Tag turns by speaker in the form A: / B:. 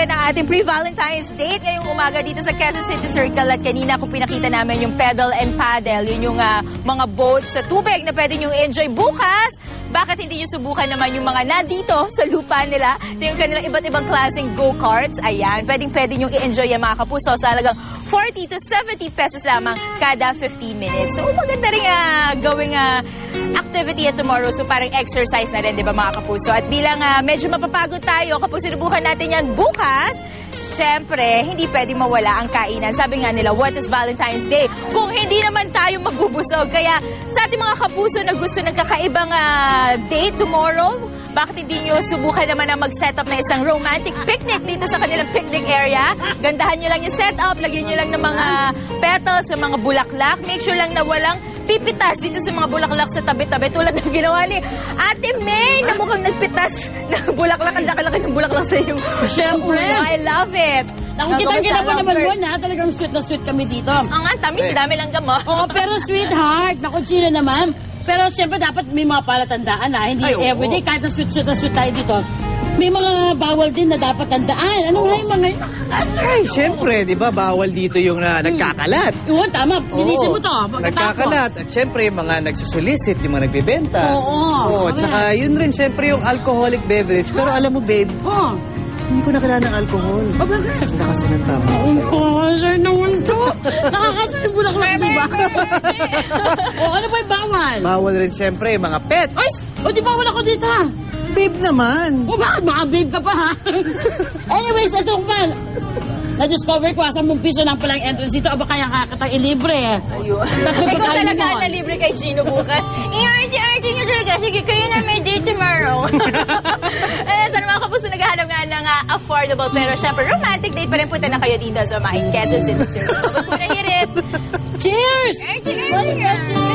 A: natin ang ating pre-Valentine's date ngayong umaga dito sa Quezon City Circle. At kanina kung pinakita namin yung pedal and paddle, yun yung mga boats sa tubig na pwede nyo enjoy bukas. Bakit hindi nyo subukan naman yung mga nandito sa lupa nila? Yung kanilang iba't ibang klaseng go-karts. Ayan, pwedeng-pwede nyo i-enjoy yung mga kapuso sa halagang 40 to 70 pesos lamang kada 15 minutes. So, maganda rin gawing activity at tomorrow. So, parang exercise na rin, di ba mga kapuso? At bilang medyo mapapagod tayo kapag sinubukan natin yan bukas, siyempre, hindi pwedeng mawala ang kainan. Sabi nga nila, what is Valentine's Day? Kung hindi naman tayo magbubusog. Kaya sa ating mga kapuso na gusto ng kakaibang date tomorrow, bakit hindi nyo subukan naman na mag-set up na isang romantic picnic dito sa kanilang picnic area? Gandahan nyo lang yung setup, lagyan nyo lang ng mga petals, sa mga bulaklak. Make sure lang na walang pipitas dito sa mga bulaklak sa tabi-tabi tulad ng ginawa ni Ate May na mukhang nagpitas ng bulaklak. Ang laki-laki ng bulaklak sa iyong
B: Siyempre.
A: I love it.
B: Nakikita mo naman mo na talagang sweet na sweet kami dito.
A: Ang tamis, dami lang gamo.
B: Oo, pero sweetheart, naku, sino naman. Pero siyempre dapat may mga palatandaan na. Hindi everyday, kahit na sweet tayo dito. May mga bawal din na dapat tandaan. Ano nga yung mga...
C: Ay, siyempre, di ba, bawal dito yung nagkakalat.
B: Oo, tama. Linisin mo to.
C: Nagkakalat. At siyempre, yung mga nagsusulisit, yung mga nagbibenta.
B: Oo.
C: Tsaka yun rin, siyempre, yung alcoholic beverage. Pero alam mo, babe,
B: Oo.
C: hindi ko nakilala ng alcohol.
B: O, bakit?
C: Wala kasi ng tama.
B: Oo, sir naman to. Nakakasay bulaklak, di ba? O, ano ba yung bawal?
C: Bawal rin, siyempre, mga pets.
B: Ay! O, di bawal ako dito, ha?
C: Babe naman.
B: O, bakit? Baka babe ka pa, ha? Anyways, ito man. Na-discover ko, 10 piso lang palang entrance dito. Aba, kaya kakatang ilibre, eh.
A: Ayun. Ikaw talaga na libre kay Gino bukas. I-arte-arte nyo talaga. Sige, kayo na may date tomorrow. Ayan, sana mga kapuso naghahanap nga ng affordable pero syempre romantic date pa rin. Punta na kayo dito sa mga Quezon City. Cheers!
B: Cheers!